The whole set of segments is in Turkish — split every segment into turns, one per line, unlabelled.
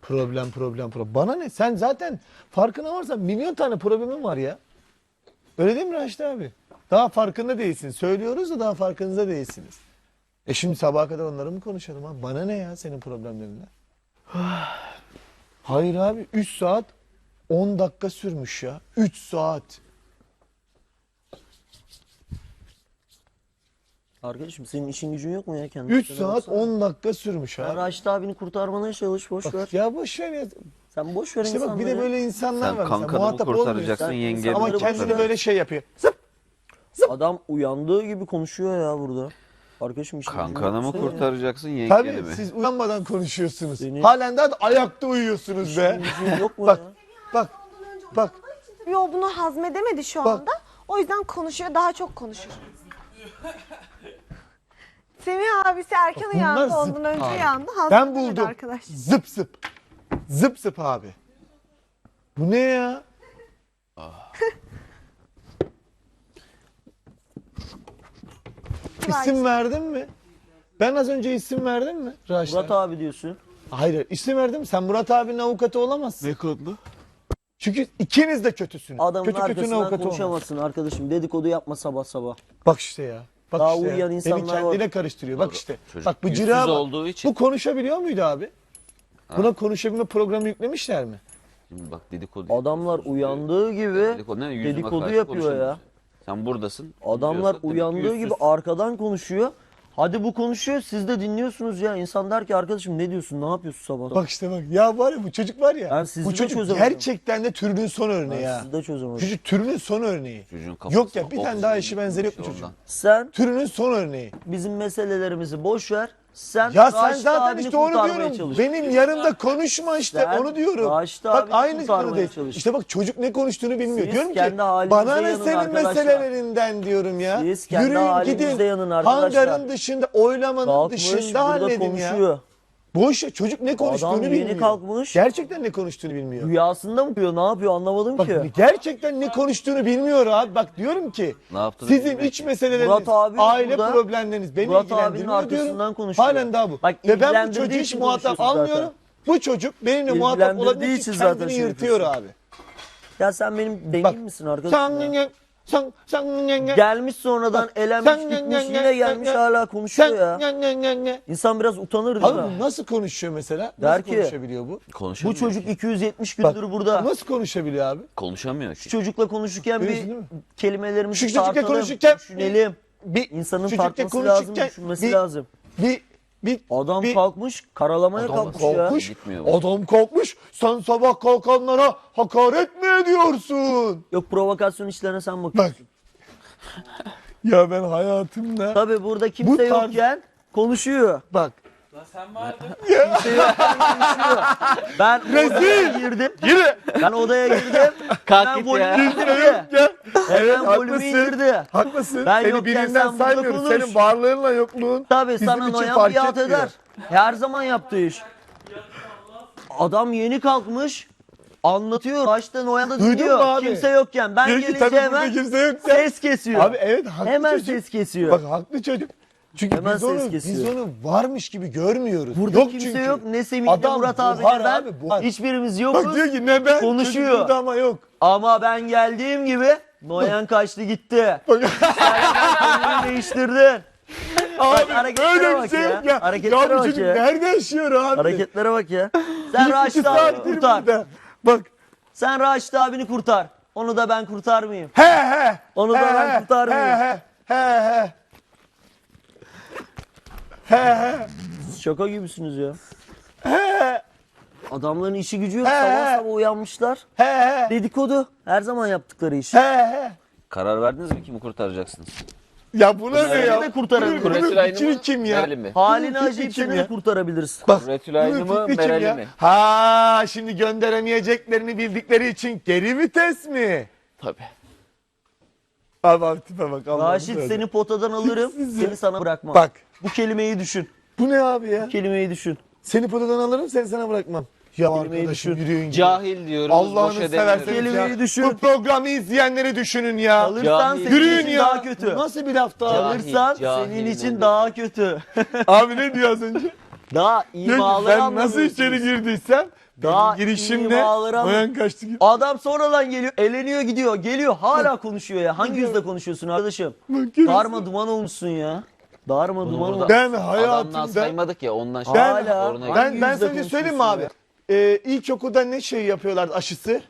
Problem. Bana ne? Sen zaten farkına varsan milyon tane problemin var ya. Öyle değil mi Raşit abi? Daha farkında değilsin. Söylüyoruz da daha farkınızda değilsiniz. Şimdi sabaha kadar onları mı konuşalım abi? Bana ne ya senin problemlerinden? Hayır abi 3 saat 10 dakika sürmüş ya. 3 saat.
Arkadaşım senin işin gücün yok mu ya kendin?
3 saat 10 dakika sürmüş
Ya
abi.
Raşit abini kurtarmana çalış, boş ver.
Bak, ya boş ver ya.
Sen boş ver
İşte bak bir de
insanları.
böyle insanlar
Sen
var. mesela,
kankanı mı
muhatap
kurtaracaksın,
olmuyorsun.
yengeni
Ama
mi
kendini
kurtaracaksın?
böyle şey yapıyor. Zıp.
Adam uyandığı gibi konuşuyor ya burada. Arkadaşım işin gücün
Kankanı
yok
mı
senin ya.
kurtaracaksın, yengeni
Tabii
mi?
siz uyanmadan konuşuyorsunuz.
Seni-
Halen daha da ayakta uyuyorsunuz be.
İşin gücün yok mu
Bak,
ya?
bak.
Yo bunu hazmedemedi şu
Bak.
anda. O yüzden konuşuyor, daha çok konuşur. Semih abisi erken
Bunlar
uyandı,
zıp
ondan önce
abi.
uyandı.
Ben
Hazmedemedi
buldum.
arkadaş.
Zıp zıp. Zıp zıp abi. Bu ne ya? İsim verdin mi? Ben az önce isim verdim mi Raşit?
Murat abi diyorsun.
Hayır, isim verdim. Sen Murat abinin avukatı olamazsın.
Ne kodlu?
Çünkü ikiniz de kötüsünüz.
Adamın
Kötünün
arkasından
avukatı olmaz.
konuşamazsın arkadaşım. Dedikodu yapma sabah sabah.
Bak işte ya. Bak
Daha
işte ya.
uyuyan
Beni
insanlar
kendine
var.
karıştırıyor. Bak işte.
Çocuk
Bak
yüzsüz
bıcırığa bak.
olduğu için.
Bu konuşabiliyor muydu abi? Buna konuşabilme programı yüklemişler mi?
Şimdi bak dedikodu.
Adamlar uyandığı gibi
Dedikodu, ne? Yüzüme
dedikodu
karşı
yapıyor ya.
konuşamıyorsun. Sen buradasın.
Adamlar
diyorsa demek ki
uyandığı gibi
yüzsüz.
arkadan konuşuyor. Hadi bu konuşuyor, siz de dinliyorsunuz ya. İnsan der ki arkadaşım ne diyorsun, ne yapıyorsun sabah?
Bak işte bak. Ya var ya bu çocuk var ya.
Ben sizi
Bu
de
çocuk
çözemedim.
gerçekten de türünün son örneği
Ben
ya.
sizi de çözemedim.
Çocuk türünün son örneği.
Çocuğun kafası
Yok ya bir tane daha eşi benzeri yok bu
ondan.
çocuğun.
Sen
Türünün son örneği.
bizim meselelerimizi boş ver. Sen
Ya sen
Raşit
zaten
abini
işte onu
kurtarmaya
diyorum.
çalış.
Benim yanımda konuşma işte
Sen
onu diyorum.
Raşit
Bak
abini
aynı
kurtarmaya
konudayız.
çalış.
İşte bak çocuk ne konuştuğunu bilmiyor.
Siz
Diyorum ki
kendi halinizde
bana ne
yanın
senin
arkadaşlar.
meselelerinden diyorum ya.
Siz kendi
Yürüyün
halinizde
gidin.
yanın arkadaşlar.
Hangarın dışında oylamanın
Kalkmış
dışında
burada
halledin ya.
konuşuyor.
Boş ya çocuk ne konuştuğunu
Adam yeni
bilmiyor.
kalkmış.
Gerçekten ne konuştuğunu bilmiyor.
Rüyasında mı diyor, ne yapıyor anlamadım
Bak
ki.
gerçekten ne konuştuğunu bilmiyor abi. Bak diyorum ki
Ne yaptığını
sizin
bilmiyor
iç
ki.
meseleleriniz,
Murat abi
aile
burada.
problemleriniz beni
Murat abinin
ilgilendirmiyor diyorum.
arkasından konuşuyor.
Halen daha bu.
Bak,
Ve ben bu
ilgilendirdiği
çocuğu hiç
için
muhatap
konuşuyorsun
almıyorum.
zaten.
Bu çocuk benimle muhatap
İlgilendirdiği
olabilmek
için
için
zaten
kendini
şey
yırtıyor
yapıyorsun.
abi.
Ya sen benim
Bak
dengin misin arkadaşım ya?
sen
Gelmiş sonradan elenmiş
sen-
gitmiş
sen-
yine gelmiş hala konuşuyor ya.
sen
İnsan biraz utanır değil mi?
Abi bu nasıl konuşuyor mesela?
Der
Nasıl
ki,
konuşabiliyor bu?
Bu
Konuşamıyor
çocuk
ki.
270
Bak,
gündür burada.
Nasıl konuşabiliyor abi?
Konuşamıyor
Şu
ki.
çocukla konuşurken
Görüyorsun
bir
değil mi?
kelimelerimizi
Şu çocukla
tartalım,
konuşurken
düşünelim.
bir
İnsanın
çocukla
tartması lazım,
konuşurken
düşünmesi lazım.
Bir
Adam
bir-
kalkmış, karalamaya
Adam
kalkmış ya.
kalkmış.
Gitmiyor bu.
Adam kalkmış. Sen sabah kalkanlara hakaret mi ediyorsun?
Yok provokasyon işlerine sen bak.
Bak. Ya ben hayatımda
Tabii burada kimse
Bu tarz-
yokken konuşuyor.
bak.
Kimse yokken konuşuyor. Ben odaya girdim.
Yine.
Ben odaya girdim.
Kalk
Hemen
git
volümü
ya.
indirdi.
Ya. Evet
Hemen volümü
haklısın.
indirdi.
Haklısın.
Ben
Seni
yokken
birinden
sen burada
saymıyoruz.
konuş.
Senin varlığınla yokluğun
Tabii
bizim
sana
için
noyan
fark
biat
etmiyor.
eder. Her zaman yaptığı iş. Adam yeni kalkmış. Anlatıyor. Başta noyan da
Duydun mu
dinliyor.
abi?
Kimse yokken. Ben
Diyor ki
gelince
tabii burada
hemen
kimse yokken.
ses kesiyor.
Abi evet haklı
Hemen
çocuk.
ses kesiyor.
Bak haklı çocuk. Çünkü
Hemen
biz
ses
onu,
kesiyor.
biz onu varmış gibi görmüyoruz.
Burada
yok
kimse
çünkü.
yok. Ne Semih ne
Adam
Murat abi
buhar
ne ben.
abi, buhar.
Hiçbirimiz yokuz.
Bak diyor ki ne ben
Konuşuyor.
çocuk burada ama yok.
Ama ben geldiğim gibi Noyan kaçtı gitti.
Bak.
Sen kendini değiştirdin.
Abi
hareketlere
öyle bir
bak
şey
ya.
yok ya.
Hareketlere
Ya bu
bak
çocuk
ya.
nerede yaşıyor abi?
Hareketlere bak ya. Sen
İki
Raşit abini
saattir
kurtar.
burada. Bak.
Sen Raşit abini kurtar. Onu da ben kurtarmayayım.
He.
Onu da ben kurtarmayayım.
He. He.
Siz şaka gibisiniz ya.
He.
Adamların işi gücü yok.
He.
Sabah sabah uyanmışlar.
He.
Dedikodu. Her zaman yaptıkları iş.
He.
Karar verdiniz mi kimi kurtaracaksınız?
Ya bu ne
Seni
ya?
de kurtarabilir.
Bunun
Kuretül Aynı
fikri
mı?
kim ya?
Meral'in mi?
Haline
Bunun fikri
acıyıp
kim
seni
ya?
de kurtarabilirsin.
Bak.
Kuretül Aynı
bunun
mı?
fikri kim
Meral'i
ya?
mi?
Ha şimdi gönderemeyeceklerini bildikleri için geri vites mi?
Tabii.
Abi tipe bak. Allah'ım
Raşit
böyle.
seni potadan alırım.
Siz ya.
Seni sana bırakmam.
Bak.
Bu kelimeyi düşün.
Bu ne abi ya?
Bu kelimeyi düşün.
Seni potadan alırım seni sana bırakmam. Ya
Kelimeyi
arkadaşım
düşün.
yürüyün.
Cahil diyoruz.
Allah'ını
boş
severseniz
edemiyoruz.
ya.
Kelimeyi düşün.
Bu programı izleyenleri düşünün ya.
Alırsan
Cahil.
senin
Yürüyün
için
ya.
daha kötü.
Bu nasıl bir laf daha?
Cahil.
Alırsan
cahil
senin için
oldu.
daha kötü.
Abi ne diyor az önce?
Daha
Diyor ki,
imaları
ben nasıl
anlamıyorsunuz.
içeri girdiysem
Daha
benim girişimle
imaları
Noyan kaçtı gibi.
Adam sonradan geliyor, eleniyor gidiyor, geliyor hala konuşuyor ya. Hangi yüzle konuşuyorsun arkadaşım? Darma duman olmuşsun ya. Darma duman
burada-
olmuşsun.
Ben
Adamdan
hayatımda
saymadık ya ondan şey.
Ben-
Hala.
Oruna
Hangi
ben
yüzle
sana bir şey söyleyeyim mi abi?
konuşuyorsun
İlkokulda ne şey yapıyorlar aşısı?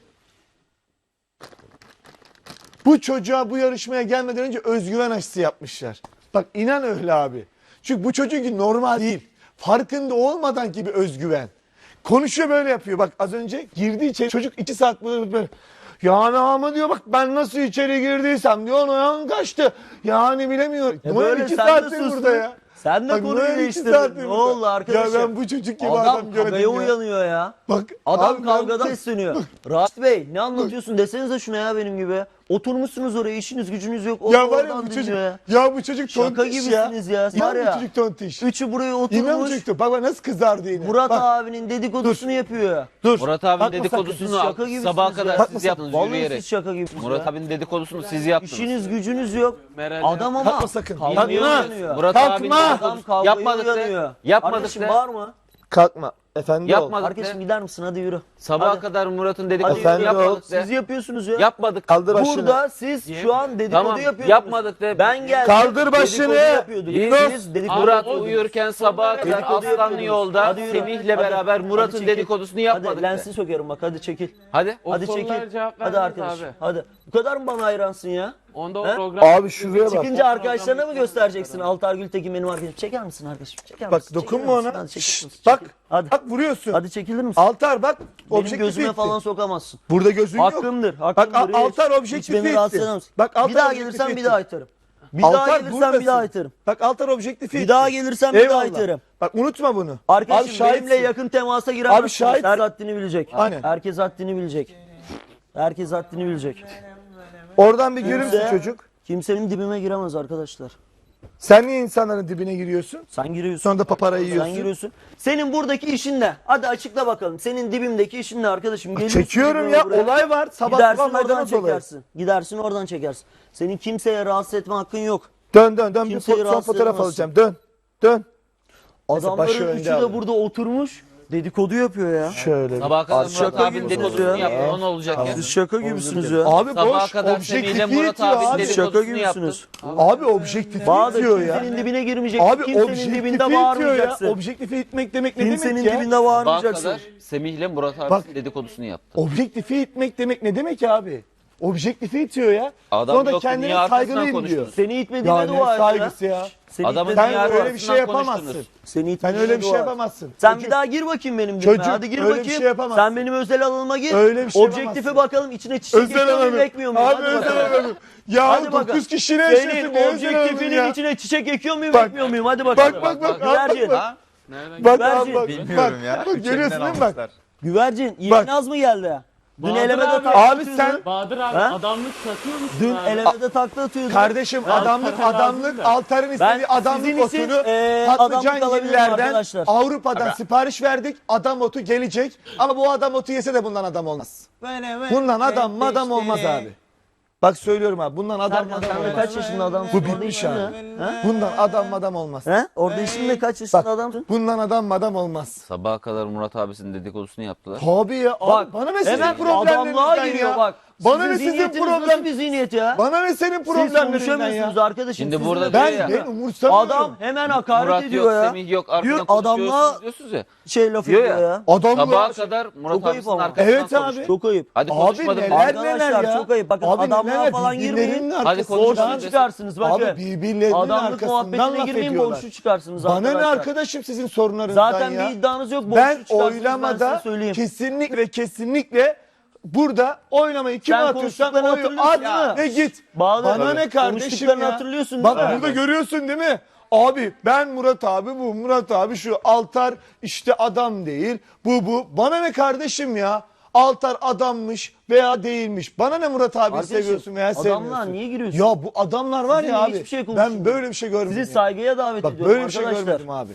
Bu çocuğa bu yarışmaya gelmeden önce özgüven aşısı yapmışlar. Bak inan öyle abi. Çünkü bu çocuk normal değil. Farkında olmadan gibi özgüven. Konuşuyor böyle yapıyor. Bak az önce girdi içeri çocuk 2 saat böyle. Yani ama diyor bak ben nasıl içeri girdiysem diyor Noyan kaçtı. Yani bilemiyorum.
ya?
Noyan
Böyle
2
sen de
saattir
sustun.
burada ya.
Sen de
Bak,
konuyu
Noyan 2
değiştirdin.
saattir
Ne
burada.
oldu arkadaşım?
Ya ben bu çocuk gibi
Adam
adam göremedim
kavgaya
ya.
uyanıyor ya.
Bak
Adam
abi
kavgada
ben-
besleniyor. Rahat Bey ne anlatıyorsun desenize şuna ya benim gibi. Oturmuşsunuz oraya işiniz gücünüz yok. O
Ya var ya
oradan
bu çocuk.
dinliyor
Ya bu çocuk
Şaka
tontiş ya.
gibisiniz ya. Var
İnan bu
ya.
çocuk tontiş.
Üçü buraya
İnan bu
oturmuş.
çocuk. Bak nasıl kızardı yine.
Murat
Bak,
abinin dedikodusunu yapıyor.
dur.
Murat abinin
Bakma sakın,
Siz
dedikodusunu
şaka gibisiniz
sabaha
ya.
kadar
Bakma
siz yaptınız
Vallahi
yürüyerek.
siz şaka gibisiniz
Murat
ya.
abinin dedikodusunu siz yaptınız.
İşiniz gücünüz yok. Adam ama
Kalkma sakın.
kavgaya
Kalkma.
uyanıyor.
Murat
Kalkma.
abinin
Adam
dedikodusunu
kavgaya
yapmadık
uyanıyor.
de. Yapmadık
Arkadaşım
de.
bağırma.
Kalkma. Efendi ol.
Yapmadık
Arkadaşım
de.
gider misin hadi yürü.
Sabaha
Hadi.
kadar Murat'ın
Hadi
dedikodusunu
Efendim
yürü.
yapmadık de.
Siz yapıyorsunuz ya.
Yapmadık.
Kaldır başını.
Burada siz şu an dedikodu
Tamam,
yapıyorsunuz.
yapmadık de.
Ben geldim.
Kaldır başını.
Dedikodu yapıyorduk.
Biz
Siz dedikodu
Murat
yapıyordunuz.
uyurken sabaha kadar
Dedikodu
Aslanlı
yapıyordunuz.
yolda
Hadi yürü.
Semih'le
Hadi.
beraber
Hadi
Murat'ın
çekil.
dedikodusunu yapmadık
Hadi
de.
lensi sokarım bak hadi çekil.
Hadi.
Hadi
sorulara
çekil.
cevap
Hadi
vermediniz
arkadaş.
abi.
Hadi. Bu kadar mı bana hayransın ya?
Onda o
He?
program...
Abi şuraya bak.
Çıkınca arkadaşlarına mı göstereceksin? Altar Gültekin benim arkadaşım. Çeker misin arkadaşım? Çeker
Bak
misin?
dokunma
Çekilir misin?
ona.
Hadi çekil
Şşt,
misin?
bak.
Çekil. Hadi.
Bak vuruyorsun.
Hadi çekilir misin?
Altar bak.
Benim
Objektifi
gözüme
itti.
falan sokamazsın.
Burada gözün yok.
Hakkımdır.
Bak
Hakkımdır.
Altar
Hiç
objektifi
beni rahatsız
itti.
edemezsin.
Bak Altar
Bir daha
objektifi
gelirsen bir
itti.
daha atarım. Bir daha
Altar
gelirsen
buradasın.
bir daha atarım.
Bak Altar objektifi
Bir
itti.
daha gelirsen bir daha
Eyvallah.
atarım.
Bak unutma bunu.
Arkadaşım
şahitsin.
benimle yakın temasa giremezsin.
Abi şahitsin.
Herkes haddini bilecek.
Aynen.
Herkes haddini bilecek. Herkes haddini bilecek.
Oradan bir görür müsün
Kimse-
çocuk?
Kimsenin dibime giremez arkadaşlar.
Sen niye insanların dibine giriyorsun?
Sen giriyorsun.
Sonra da paparayı yiyorsun.
Sen giriyorsun. Senin buradaki işin ne? Hadi açıkla bakalım. Senin dibimdeki işin ne arkadaşım? Geliyorsun
Çekiyorum
dibime
ya
buraya.
olay var. Sabah
Gidersin
sabah
oradan
maydanoz olayı.
çekersin. Gidersin oradan çekersin. Senin kimseye rahatsız etme hakkın yok.
Dön dön dön bir
Kimseyi
son
rahatsız
fotoğraf
edemezsin.
alacağım. Dön. Dön. başı
Adamların
önde
üçü de
alın.
burada oturmuş. Dedikodu yapıyor ya.
Şöyle. bir-
Sabaha kadar
Abi,
Murat
şaka
abinin
gibisiniz
dedikodusunu
ya.
yaptın. O ne olacak ya?
Siz şaka gibisiniz ya.
Abi
Sabaha
boş
kadar Semih'le
objektifi
Murat
itiyor
abinin
abi.
Siz şaka
dedikodusunu yaptın.
gibisiniz.
Abi objektifi
Bahadır
itiyor ya.
kimsenin dibine girmeyecek.
Abi
Kimsenin
objektifi
dibinde
itiyor ya.
bağırmayacaksın.
Objektifi itmek demek ne
Kimsenin
demek ya?
dibinde
Sabaha
bağırmayacaksın.
kadar Semih'le Murat
Bak.
abinin dedikodusunu yaptı.
Objektifi itmek demek ne demek abi? Objektifi itiyor ya.
Adam
Sonra da
yoktu,
kendine
niye arkasından
saygılıyım diyor.
konuştunuz?
Seni itmediğine
Ya ne
dua et ya.
saygısı ya.
Seni
Adamın
itmediğine
Sen
dünya
dua et.
öyle bir şey
arkasından
yapamazsın.
konuştunuz.
Seni
Sen
itmediğine
öyle bir şey
dua et.
yapamazsın.
Sen
Çocuk-
bir daha gir bakayım benim dibime.
Çocuk
Hadi gir
öyle bir
bakayım.
şey yapamazsın.
Sen benim özel alanıma gir.
Öyle bir şey
Objektifi
yapamazsın.
bakalım içine çiçek
Özel
ekliyor muyum
alanım.
ekmiyor muyum?
Abi
Hadi
özel
bakalım.
alanım. Ya
Hadi
9
bakalım.
kişi ne yaşıyorsun?
Senin
Ne özel alanım
objektifinin
ya?
içine çiçek ekiyor muyum
Bak,
ekmiyor muyum? Hadi bakalım.
Bak bak
Güvercin.
bak.
Nereden
Bak
Güvercin.
abi bak.
Bilmiyorum
Bak,
ya.
bak görüyorsun değil mi bak?
Güvercin.
Bak.
İlknaz mı geldi? Dün
Bahadır
elemede
abi.
takla
Abi
atıyordu.
sen
Bahadır abi
Ha?
adamlık satıyor musun
Dün
abi?
elemede takla atıyordu.
Kardeşim adamlık
lazım da.
Altar'ın
Ben
istediği adamlık
sizin için,
otunu
adamlık
Patlıcan
alabilirim
Giller'den
arkadaşlar.
Avrupa'dan sipariş verdik. Adam otu gelecek. Ama bu adam otu yese de bundan adam olmaz. Bundan adam madam olmaz abi. Bak söylüyorum abi bundan adam
Serkan
madam
sen de
olmaz.
kaç yaşında adamsın?
Bu
Orada
bitmiş
işin
abi.
ne? Ha?
Bundan adam madam olmaz.
He? Orada işin ne kaç yaşında
Bak
adamsın?
bundan adam madam olmaz.
Sabaha kadar Murat abisinin dedikodusunu yaptılar.
Abi ya
Bak
bana ne sizin
hemen adamlığa
problemlerinizden
giriyor
ya.
bak.
Bana ne
Sizin
sizin
zihniyetiniz nasıl
problem?
bir zihniyet ya?
Bana ne senin
Siz
problemlerinden
konuşamıyorsunuz
ya.
arkadaşım.
Şimdi
Sizin
burada
de-
diyor ya,
Ben umursamıyorum.
Adam hemen hakaret
Murat
ediyor
yok,
ya.
Semih yok, arkadan
Diyor, adamla
konuşuyorsunuz diyorsunuz ya.
şey laf
Diyor
ediyor
ya.
ya.
Adamla
Sabaha kadar Murat
Çok ayıp
abisinin
ama.
arkasından
Evet abi.
konuştu.
Çok ayıp.
Hadi
Abi
konuşmadım.
neler
Arkadaşlar,
neler ya.
çok ayıp. Bakın
Abi
adamlığa
neler,
falan
birbirlerinin
girmeyin.
Hadi
arkasından-
konuşalım.
Borçlu çıkarsınız bakın.
Abi birbirlerinin
Adamlık
arkasından
muhabbetine
laf
girmeyin
ediyorlar.
borçlu çıkarsınız
Bana ne
arkadaşlar.
arkadaşım sizin sorunlarınızdan
Zaten
ya.
bir iddianız yok borçlu
Ben
çıkarsınız ben size
oylamada
söyleyeyim.
kesinlikle burada oylamayı kime
Sen
atıyorsan
konuştuklarını
oyu
hatırlıyorsun
at
değil mi?
ve git.
Bahadır,
Bana
tabii.
ne kardeşim
Konuştuklarını
ya.
hatırlıyorsun
Bak
değil mi?
burada görüyorsun değil mi? Abi ben Murat abi bu Murat abi şu Altar işte adam değil bu. Bana ne kardeşim ya? Altar adammış veya değilmiş. Bana ne Murat abi
Kardeşim,
seviyorsun veya
adamlar
sevmiyorsun.
niye giriyorsun?
Ya bu adamlar var
Sizinle
ya abi.
hiçbir şey
Ben
konuşmuyorum.
böyle bir şey görmedim.
Sizi
ya.
saygıya davet
Bak
ediyorum
böyle bir şey
arkadaşlar.
görmedim abi.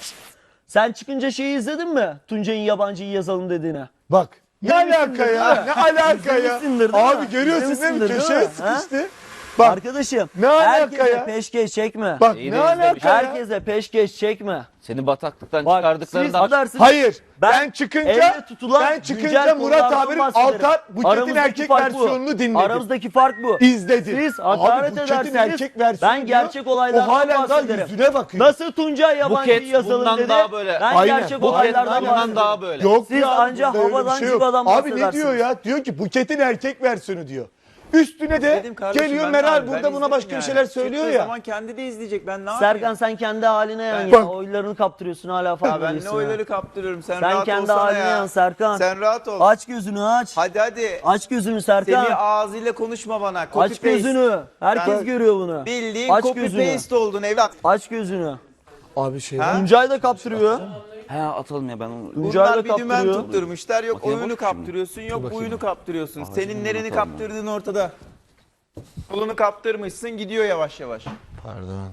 Sen çıkınca şeyi izledin mi? Tuncay'ın yabancıyı yazalım dediğine.
Bak ne alaka ya? Ne alaka ya?
İzlemişsindir değil mi?
Abi görüyorsun değil mi?
İzlemişsindir değil
Köşeye
mi? Ha?
sıkıştı. Bak,
Arkadaşım
ne alaka
herkese
ya?
peşkeş çekme.
Bak
İyi
ne
de izle bir
alaka
şey.
ya?
Herkese peşkeş çekme.
Seni bataklıktan
Bak
çıkardıklarında
siz adarsınız.
Hayır. Ben
Elle
çıkınca
tutulan güncel
Murat
konulardan
abinin
bahsederim.
Altar Buket'in
Aramızdaki
erkek
fark bu.
versiyonunu dinledi.
Aramızdaki fark bu.
İzledi.
Siz hakaret
Abi, Buket'in
edersiniz.
erkek versiyonu
Ben gerçek olaylardan
o halen daha
bahsederim.
yüzüne bakıyor.
Nasıl Tuncay yabancıyı
Buket
yazalım
bundan
dedi.
daha böyle.
Ben
Aynen.
gerçek
Buket
olaylardan
bundan
bahsederim.
daha böyle.
Yok
Siz
ya,
anca
bunda öyle bir
havadan
şey yok.
civadan
Abi ne
bahsedersiniz.
diyor ya? Diyor ki Buket'in erkek versiyonu diyor. Üstüne de
İzledim kardeşim,
geliyor
ben de
Meral
abi, ben
burada buna
izledim
başka bir
yani.
şeyler söylüyor
Çıktığı
ya.
zaman kendi de izleyecek, ben ne yapayım?
Serkan sen kendi haline yan ya.
Bak.
Oylarını kaptırıyorsun hala
Ya
farkında
ben ne
değilsin ya.
oyları kaptırıyorum, sen
Sen
rahat
kendi
olsana
haline
ya.
yan Serkan.
Sen rahat ol.
Aç gözünü aç.
Hadi.
Aç gözünü Serkan.
Semih ağzıyla konuşma bana. Copy
Aç
paste.
gözünü. Herkes
Sen-
görüyor bunu.
Bildiğin
Aç
copy
gözünü.
paste oldun evlat.
Aç gözünü.
Abi şey
Ha?
Tuncay da kaptırıyor.
He atalım ya ben onu.
Tuncay da
Bunlar bir dümen
kaptırıyor.
tutturmuşlar. Yok
Makineye
oyunu
bak şimdi.
kaptırıyorsun, yok buyunu kaptırıyorsun. Senin nereni
atalım
kaptırdığın ortada. Kolunu kaptırmışsın, gidiyor yavaş yavaş.
Pardon.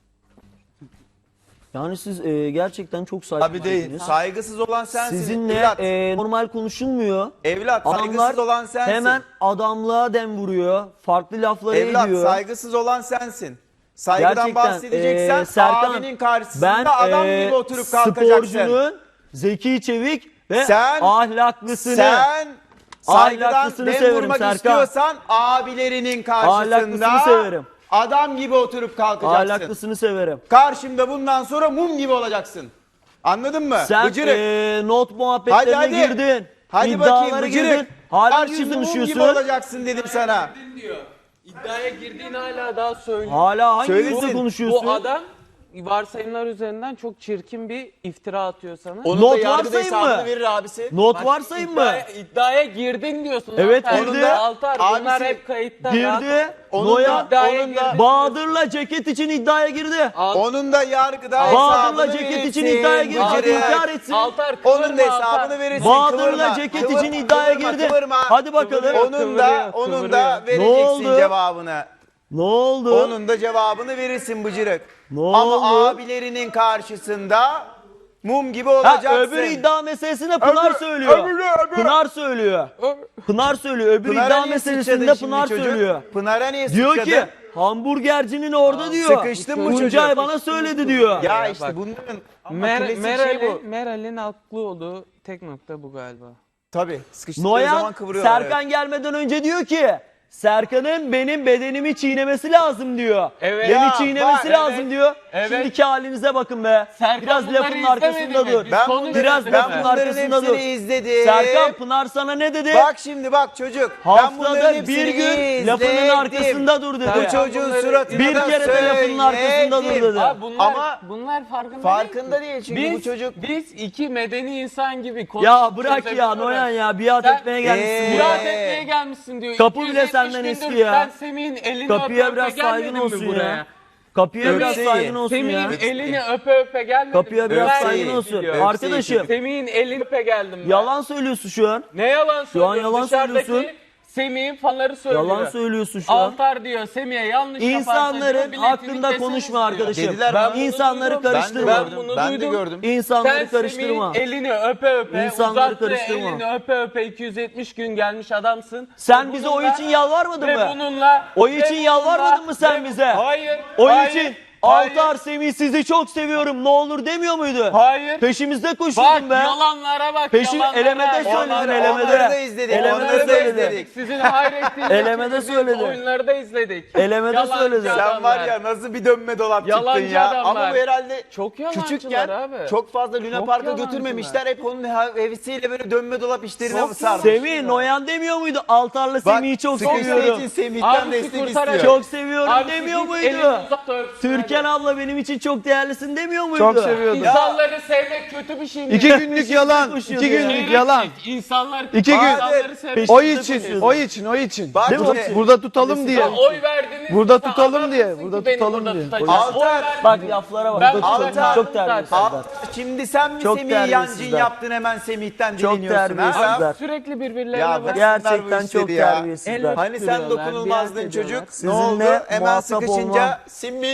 Yani siz gerçekten çok
Abi değil.
saygısız.
Saygısız olan sensin.
Sizinle
evlat.
normal konuşulmuyor.
Evlat,
Adamlar
saygısız olan sensin.
hemen adamlığa dem vuruyor. Farklı lafları
Evlat,
ediyor.
saygısız olan sensin. Saygıdan
Gerçekten,
bahsedeceksen
Serkan,
abinin karşısında
ben
adam gibi oturup kalkacaksın.
sporcunun Zeki Çevik ve
Sen-
ahlaklısını
Sen saygıdan
Ahlaklısını
dem
severim
vurmak
Serkan.
istiyorsan abilerinin karşısında
Ahlaklısını severim.
adam gibi oturup kalkacaksın.
ahlaklısını severim.
Karşımda bundan sonra mum gibi olacaksın. Anladın mı?
Sen
Bıcırık.
not muhabbetlerine
Hadi.
girdin.
Hadi
İddialara
bakayım
girdin.
bıcırık.
Hala bir şey
Karşımda mum gibi
konuşuyorsun.
olacaksın dedim sana.
diyor. İddiaya girdiğin hala daha söylüyor.
Hala hangi
Söylesin.
yüzle konuşuyorsun?
Bu adam varsayımlar üzerinden çok çirkin bir iftira atıyor sana.
Onun
Not
da yargıda
varsayım
hesabını
mı?
verir abisi.
Not varsayım mı?
İddiaya girdin diyorsun.
Evet,
Altar.
girdi.
Altar bunlar
Abisi
hep kayıtta. rahat ol.
Girdi.
Onun
Noya
da-
İddiaya
onun da-
girdin.
Bahadır'la ceket için iddiaya girdi.
Onun da yargıda
Bahadır'la
hesabını
ceket
verirsin.
için iddiaya girecek,
Bıcırık.
inkar etsin.
Altar
Onun da
kıvırma,
hesabını
Altar.
verirsin.
Bahadır'la
Kıvırma,
ceket
kıvırma,
için iddiaya
kıvırma,
girdi.
kıvırma.
Hadi bakalım.
Kıvırıyor.
Onun da
Kıvırıyor.
vereceksin
oldu?
cevabını.
Ne oldu?
Onun da cevabını verirsin bıcırık.
Ne
Ama
oldu?
abilerinin karşısında mum gibi
Ha,
olacaksın.
öbür iddia meselesine Pınar söylüyor. Pınar söylüyor. Pınar söylüyor. Öbür
Pınar'a
iddia
niye
meselesinde
sıçradın şimdi
Pınar
çocuk?
söylüyor.
Pınar'a niye
Diyor
sıçradın?
ki hamburgercinin orada diyor.
Sıkıştın mı
Tuncay
çocuk?
bana söyledi diyor.
Ya işte bunların ama klasik şey bu.
Meral'in haklı olduğu tek nokta bu galiba.
Tabii sıkıştıkları zaman
Noyan
kıvırıyorlar.
Serkan gelmeden önce diyor ki Serkan'ın benim bedenimi çiğnemesi lazım diyor.
Evet.
Beni
Ya,
çiğnemesi
bak,
lazım
evet.
diyor.
Evet.
Şimdiki halinize bakın be.
Serkan
Biraz
bunları
lafın
izlemedi
arkasında
mi?
dur.
Biz
Ben
konuştuk
Biraz
değil mi?
lafın
bunların
arkasında dur.
hepsini izledim.
Serkan Pınar sana ne dedi?
Bak şimdi bak çocuk. Ben bunların
Haftada
hepsini
bir gün
izledim.
lafının arkasında dur dedi.
Bu çocuğun
bunları
suratına
Bir
da
kere de lafının arkasında dur
söyledim.
dedi.
Abi
Ama
bunlar farkında,
farkında değil çünkü bu çocuk.
Biz iki medeni insan gibi
Ya bırak ya Noyan ya biat
Sen-
etmeye gelmişsin.
Biat
buraya.
etmeye gelmişsin diyor.
Kapı bile
270
senden
gündür
eski ya.
Ben Semih'in elini
Kapıya
öpe
biraz
öpe
saygın
gelmedim mi
olsun
buraya?
ya. Kapıya biraz
Öpseyi.
saygın olsun ya.
Semih'in elini öpe öpe gelmedim.
Kapıya biraz
Öpseyi.
saygın olsun.
Öpseyi.
Arkadaşım
Semih'in elini öpe geldim ben.
yalan söylüyorsun şu an.
Ne yalan söylüyorsun?
yalan
Dışarıdaki
söylüyorsun.
Semih'in fanları söylüyor.
Yalan söylüyorsun şu an.
Altar diyor Semih'e yanlış yaparsa
İnsanların
diyor, biletini
hakkında
keseriz
konuşma
diyor.
arkadaşım.
Dediler
Ben bunu
İnsanları
duydum.
karıştırma.
Ben bunu
Ben de
duydum.
gördüm.
İnsanları
Sen
karıştırma.
Semih'in elini öpe öpe,
İnsanları
uzattı
karıştırma.
elini öpe öpe 270 gün gelmiş adamsın.
Sen
Ve
bize
bununla-
oy için yalvarmadın
ve
mı?
bununla
Oy
ve
için
bununla-
yalvarmadın mı sen
ve-
bize?
Hayır.
Oy
hayır,
için
hayır,
Altar Semih sizi çok seviyorum ne olur demiyor muydu?
Hayır.
Peşimizde
Bak
koşturdun be.
yalanlara bak.
Peşin
yalanlara.
elemede söyledin
Onları
elemede.
da izledik.
Elemede
Onları da
söyledin.
izledik.
Sizin hayrettiğiniz
Elemede
için biz
söyledin.
oyunları da izledik.
Elemede
Yalancı
söyledin.
adamlar.
Sen var ya nasıl bir dönme dolap çıktın
Yalancı
ya.
adamlar.
Ama bu herhalde
Çok yalancılar
küçükken
abi.
çok fazla Luna
Çok
Park'a
yalancılar.
götürmemişler. Hep onun hevesiyle böyle dönme dolap işlerine
Çok
sarmış.
Semih Noyan demiyor muydu? Altar'la
Bak,
Semih'i çok
sıkıştığı
seviyorum.
için Semih'ten
Abi,
destek
kurtaran-
istiyor.
Çok seviyorum
Abi
demiyor
siz
muydu?
elini uzat da öpsün
Türkan
hadi.
abla benim için çok değerlisin demiyor muydu?
Çok seviyordu.
İnsanları sevmek kötü bir şey mi?
2 günlük yalan.
koşuyordu
2
ya.
günlük yalan.
İnsanlar
2 gün.
insanları sevmek.
O
Peşinde
için,
koşuyordu.
o için, o için.
Bak
Burada,
işte.
burada tutalım diye.
Ya oy verdiniz.
Burada
sen
tutalım
adamsın
diye,
ki
burada
beni
tutalım
burada
diye.
tutacaksın.
Altar,
Oy verdiniz.
Bak laflara bak.
Ben
Çok-
altar-
çok terbiyesiz.
Aa, şimdi sen mi
Çok
Semih'i yancın
terbiyesizler.
yaptın hemen Semih'ten
Çok
dileniyorsun
terbiyesizler.
ha?
Abi sürekli birbirlerine
Ya
bak.
Gerçekten
bu
çok
işleri ya.
terbiyesizler.
El-
Hani sen
Duruyorlar,
dokunulmazdın
biat
çocuk.
ediyorlar.
Ne oldu?
Sizinle
Hemen
muhatap
sıkışınca
olmam.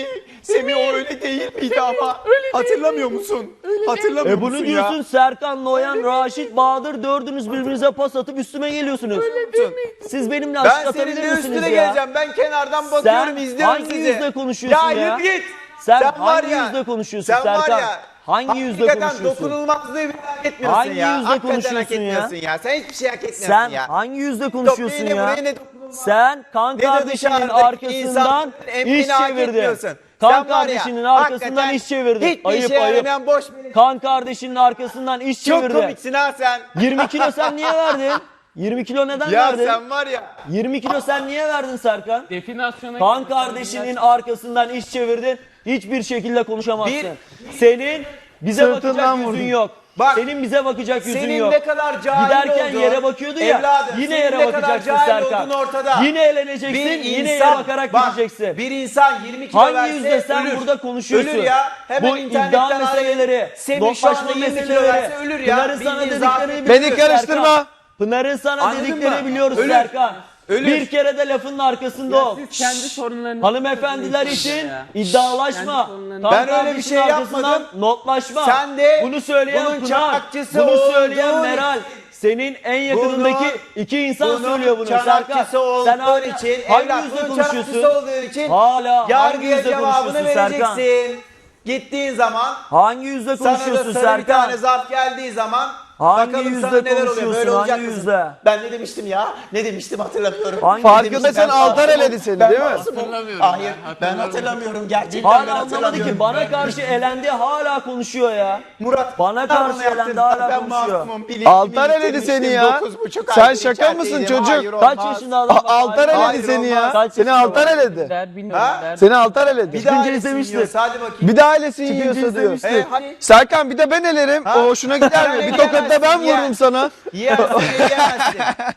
Semih o öyle değil miydi ama? Hatırlamıyor musun? Hatırlamıyor
Bunu
musun
diyorsun
ya?
Serkan, Noyan, Raşit, Bahadır dördünüz birbirinize pas atıp üstüme geliyorsunuz. Siz benimle
Ben
aşık
senin
atabilir
de
misiniz
üstüne
ya?
geleceğim. Ben kenardan bakıyorum,
Sen
izliyorum
hangi
sizi.
yüzle konuşuyorsun ya?
Ya yürü git.
Sen
var
hangi
ya,
yüzle konuşuyorsun
sen var
Serkan?
ya,
Hangi yüzle
hakikaten
konuşuyorsun?
dokunulmazlığı bile hak etmiyorsun
Hangi
ya.
yüzle
Hakikaten hak
konuşuyorsun ya?
etmiyorsun ya. Sen hiçbir şey hak etmiyorsun
Sen
ya.
hangi yüzle
Top
konuşuyorsun
yine
ya?
buraya ne dokunulmaz.
Sen kan
Ne de
kardeşinin
dışarıdaki
arkasından
insanların emrine
iş
hak
çevirdin.
etmiyorsun.
Kan
Sen var ya,
kardeşinin arkasından
hakikaten
iş çevirdin.
Hiçbir
Ayıp
işe
ayıp.
yaramayan boş bir...
Kan kardeşinin arkasından iş
Çok
çevirdin.
komiksin ha sen.
20 kilo sen niye verdin? 20 kilo neden
Ya
verdin?
sen var ya.
20 kilo sen niye verdin Serkan?
Definasyona
Kan kardeşinin arkasından iş çevirdin. Hiçbir şekilde konuşamazsın. Senin bize
Sırtından
bakacak yüzün
vurdun.
yok.
Bak,
Senin bize bakacak yüzün
Senin
yok.
ne kadar cahil
Giderken
olduğun,
yere bakıyordu ya.
evladım,
Yine
senin
yere
ne kadar
bakacaksın
cahil
Serkan.
olduğun ortada.
Yine eğleneceksin. Yine yere bakarak
bak,
gideceksin.
Bir insan 20 kilo
Hangi
verse
yüzde sen
ölür.
burada konuşuyorsun?
Ölür ya. Hemen
Bu
internetten
iddia
arayın.
meseleleri,
Semih şu anda
doklaşma
20 kilo
meseleleri,
verse ölür ya.
Pınar'ın sana
Bildiğin
dediklerini
zaten.
biliyoruz
Beni karıştırma.
Serkan. Pınar'ın sana
Anladın
dediklerini
mı?
biliyoruz
Ölür.
Serkan.
Ölür.
Bir kere de lafının arkasında ol.
Siz kendi sorunlarınızı
Hanımefendiler için iddialaşma.
Kendi
Kan
Ben öyle bir
kardeşinin
şey
arkasından
yapmadım.
Notlaşma.
Sen de
bunu söyleyen
bunun
Pınar,
çakçısı
bunu söyleyen
olduğun
Meral. Senin en yakınındaki iki insan
Bunun
söylüyor bunu Serkan.
çanakçısı olduğun
Sen hala
için,
hangi
evlat
yüzde
bunun çanakçısı
konuşuyorsun?
olduğun için
Hala hangi
yargıya
yüzde
cevabını
konuşuyorsun Serkan?
vereceksin. Gittiğin zaman
Hangi yüzde
sana da
konuşuyorsun
sarı bir tane
Serkan?
zarf geldiği zaman
Hangi
bakalım
yüzde
sana neler oluyor.
konuşuyorsun,
Böyle olacak
hangi
mısın?
yüzde?
Ben ne demiştim ya? Ne demiştim hatırlamıyorum.
Hangi
Farkında sen altar
masumum.
eledi seni
Ben
değil mi?
masumum. Hayır ben hatırlamıyorum. Gerçekten ben
Hala anlamadı
hatırlamıyorum.
ki bana karşı elendi hala konuşuyor ya.
Murat
Bana
ben
karşı
bunu yaptım.
elendi, hala
Ben
konuşuyor.
masumum. Bilinçli
Altar eledi
bilinçliymiştim.
seni ya.
9,5
Sen
aydır
şaka mısın
içerideydim.
çocuk?
Hayır,
Kaç
olmaz.
yaşında adam? bak,
Altar
hala-
Hayır,
eledi seni ya.
olmaz.
Kaç
Seni
yaşında
altar
var?
eledi.
Der bilmiyorum
Ha?
der.
Seni altar eledi.
Bir daha
Çıkınca
elesin
izlemiştir.
yiyorsa, hadi bakayım.
Bir daha ailesin
Çıkınca
yiyorsa diyor.
izlemiştir.
Hadi.
Serkan bir de ben elerim.
Ha?
O hoşuna gider mi?
Sen
Bir tokat da ben
yiyemezsin,
vururum
ye.
sana.
Yersin yiyemezsin.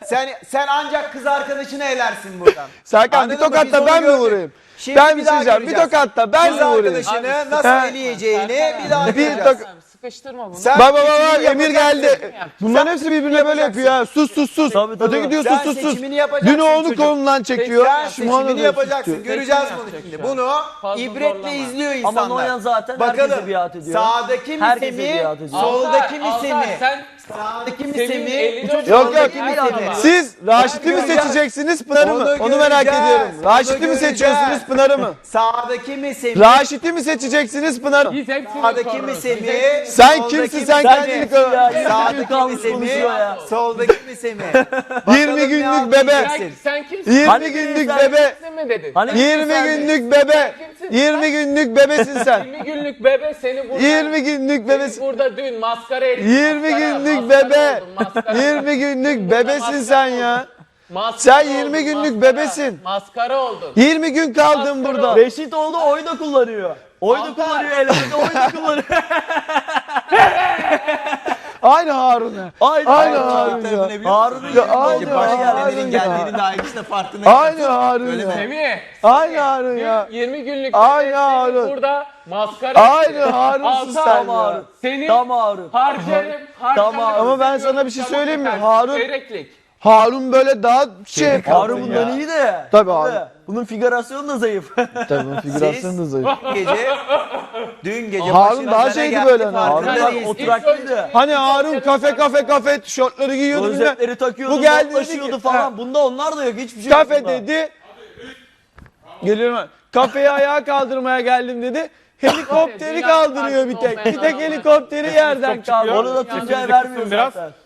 Sen ancak kız arkadaşını elersin buradan.
Serkan bir
Anladın mı?
tokat
Biz
da
onu
ben mi
gördük.
vurayım?
Şimdi
Ben
bir
bir
daha
şey diyeceğim. Bir
göreceğiz.
tokat da ben
Kız
mi vurayım?
arkadaşını nasıl
Ha.
eleyeceğini bir daha
Bir
göreceğiz.
tokat.
Sıkıştırma bunu.
Sen
Bak bak
seçimini
bak Emir
yapacaksın.
geldi. Bunların hepsi birbirine böyle yapıyor ya. Sus sus sus.
Tabii, tabii.
Öteki diyor
Sen
sus sus sus.
seçimini yapacaksın
Dün onu
çocuk.
kolundan çekiyor.
Sen
Şu anda
seçimini
da
yapacaksın.
tutuyor.
Göreceğiz
Seçim
bunu
yapacak
şimdi.
şu an.
Bunu
Fazla
ibretle
zorlama.
izliyor
Ama
insanlar.
Noyan zaten herkese
Bakalım
biat ediyor.
sağdaki mi
Herkese
Semih,
biat ediyor.
soldaki mi
Altar,
Semih?
sen
Sağdaki mi
Semih'in
Semih?
54
Yok,
soldaki
yok.
mi Semih?
Siz Raşit'i mi
göreceğiz.
seçeceksiniz Pınar'ı mı?
Onu
Onu merak
göreceğiz.
ediyorum.
Onu
Raşit'i mi
göreceğiz.
seçiyorsunuz Pınar'ı mı?
Sağdaki mi Semih?
Raşit'i mi seçeceksiniz Pınar'ı mı?
biz hepsini
Sağdaki mi
koruruz.
Semih?
Sen
Soldaki
kimsin
mi
sen
Semih?
kendini
kimsin ya?
koy.
20 gün
Sağdaki mi
kalmış
Semih?
konuşuyor ya.
Soldaki mi Semih?
20
Bakalım
günlük
ne
bebe.
anlayacaksın.
Sen kimsin?
20
Hani
günlük
sen
bebe.
Kimsin mi dedin?
Hani
20
sen-
günlük bebe.
kimsin?
20 günlük bebesin sen.
20 günlük bebe seni burada
20 günlük bebesin.
burada dün maskara ettin.
20 günlük bebe. 20 günlük bebesin sen ya. Sen 20 günlük bebesin.
Maskara oldun.
20 gün kaldın
Maskara
burada.
Reşit oldu oy da kullanıyor. Oy da
Altar.
kullanıyor elinde oy da kullanıyor.
Aynı Harun ya.
Aynı
Aynı
Harun.
Harun ya.
Harun'un
Ya aynı
yerinde başka
Harun
yerlerin
ya.
Geldiğini daha hiç de farkında.
Aynı Harun ya.
Semih.
Aynı Harun ya.
20 günlük
Aynı
bebe
Harun.
seni burada maskara
Aynı
ettin.
Harun'sun
Altar.
sen
Tam
ya.
Harun.
Seni
Tam Harun.
harcarım.
Ama
ben sana bir şey söyleyeyim mi?
Harun.
Harun-
Çeyreklik.
Harun böyle daha şey yapıyor.
Harun bundan iyi de.
Tabii abi.
Bunun figürasyonu da zayıf.
Tabii figürasyon da zayıf.
Dün gece
Harun
başına
daha
neler
şeydi
geldi
böyle hani.
farkında
Harun bak
değilsin.
oturaklıydı.
Hani Harun kafe tişörtleri giyiyordu bilmem.
Rozetleri takıyordu,
Bu geldi dedi
notlaşıyordu
ki,
falan. Bunda onlar da yok. Hiçbir şey
Kafe
yok bunda.
dedi. Geliyorum ben. Kafeyi ayağa kaldırmaya geldim dedi. Helikopteri kaldırıyor bir tek. Bir tek helikopteri yerden kaldırıyor.
Onu da Tuncay vermiyor zaten.